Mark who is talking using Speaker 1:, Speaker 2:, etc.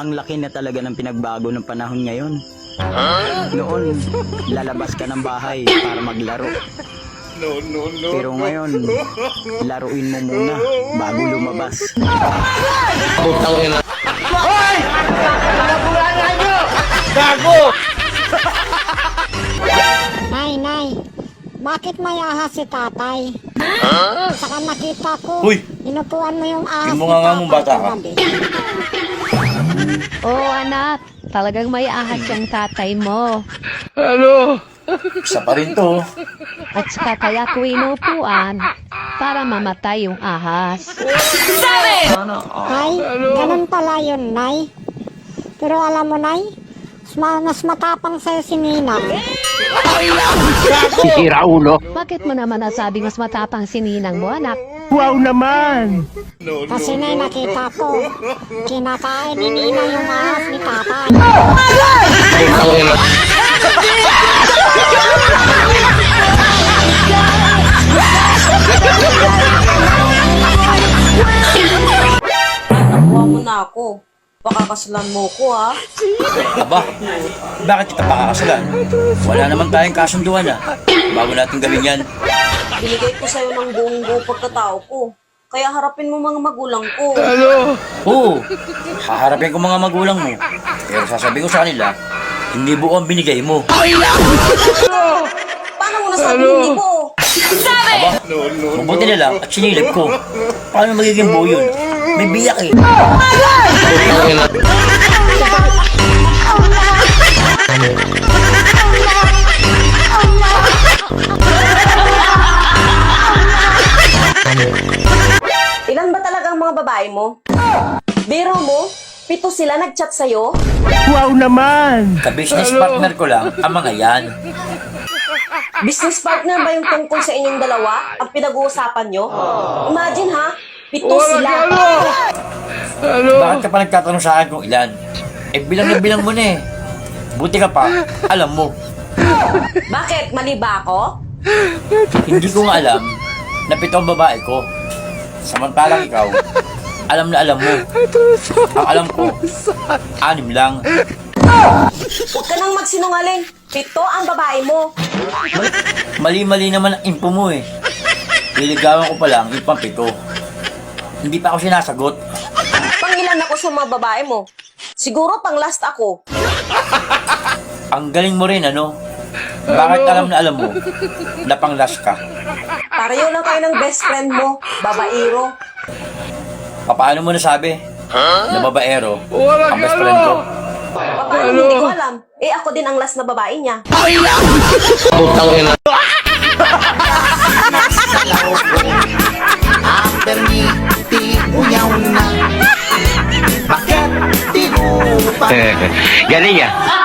Speaker 1: Ang laki na talaga ng pinagbago ng panahon ngayon. Noon, lalabas ka ng bahay para maglaro. Pero ngayon, laruin mo muna bago lumabas.
Speaker 2: Hoy! Nabulangan nyo! Gago!
Speaker 3: Nay, bakit may ahas si tatay? Saka nakita ko,
Speaker 2: Uy!
Speaker 3: inupuan mo yung ahas
Speaker 2: Yung mga nga mong bata ka.
Speaker 3: kagabi.
Speaker 4: Oo anak, talagang may ahas yung tatay mo.
Speaker 2: Isa pa rin to.
Speaker 4: At saka kaya ko inupuan para mamatay yung ahas.
Speaker 3: Ay, ganun pala yun, Nay. Pero alam mo, Nay, mas matapang sa'yo si Ninang.
Speaker 5: Sisira ulo.
Speaker 4: Bakit mo naman nasabing mas matapang si ninang mo anak?
Speaker 5: Wow naman!
Speaker 3: Kasi, Nay, nakita ko, kinakain ni Ninang yung ahas ni tatay.
Speaker 6: Nakuha mo na ako. Pakakasalan mo ko, ha?
Speaker 2: Aba, bakit kita pakakasalan? Wala naman tayong kasunduan bago natin gawin yan.
Speaker 6: Binigay ko sa'yo ng buong pagkatao ko. Kaya harapin mo mga magulang ko.
Speaker 2: Oo, haharapin ko mga magulang mo. Pero sasabihin ko sa kanila, hindi buo ang binigay mo.
Speaker 6: Paano mo nasabi hindi ko?
Speaker 2: Mabuti na lang at sinilip ko. Paano magiging buo yun? May biyak eh.
Speaker 6: Ilan ba talaga ang mga babae mo? Biro mo? 7 sila nag-chat sa'yo?
Speaker 5: Wow naman!
Speaker 2: Ka-business partner ko lang ang mga yan.
Speaker 6: Business partner ba yung tungkol sa inyong dalawa? Ang pinag-uusapan nyo? Imagine ha, 7 sila.
Speaker 2: Bakit ka pa nagtatanong sa akin kung ilan? Bilang na bilang mo na eh. Buti ka pa, alam mo.
Speaker 6: Bakit? Mali ba ako?
Speaker 2: Hindi ko nga alam na 7 ang babae ko. Samantalang ikaw, alam na alam mo. Ang alam ko, 6 lang.
Speaker 6: Huwag ka nang magsinungaling. 7 ang babae mo.
Speaker 2: Mali-mali naman ang info mo eh. Liligawan ko pa lang yung pang-7. Hindi pa ako sinasagot.
Speaker 6: Pangilan ako sa mga babae mo. Siguro pang last ako.
Speaker 2: Ang galing mo rin ano? Bakit alam na alam mo na pang-last ka?
Speaker 6: Pareho lang kayo ng best friend mo, babaero.
Speaker 2: Paano mo nasabi na babaero ang best friend ko?
Speaker 6: Paano hindi ko alam? Eh ako din ang last na babae niya.
Speaker 7: After me, di unyaw na. Bakit di mo pa
Speaker 5: Galing ah.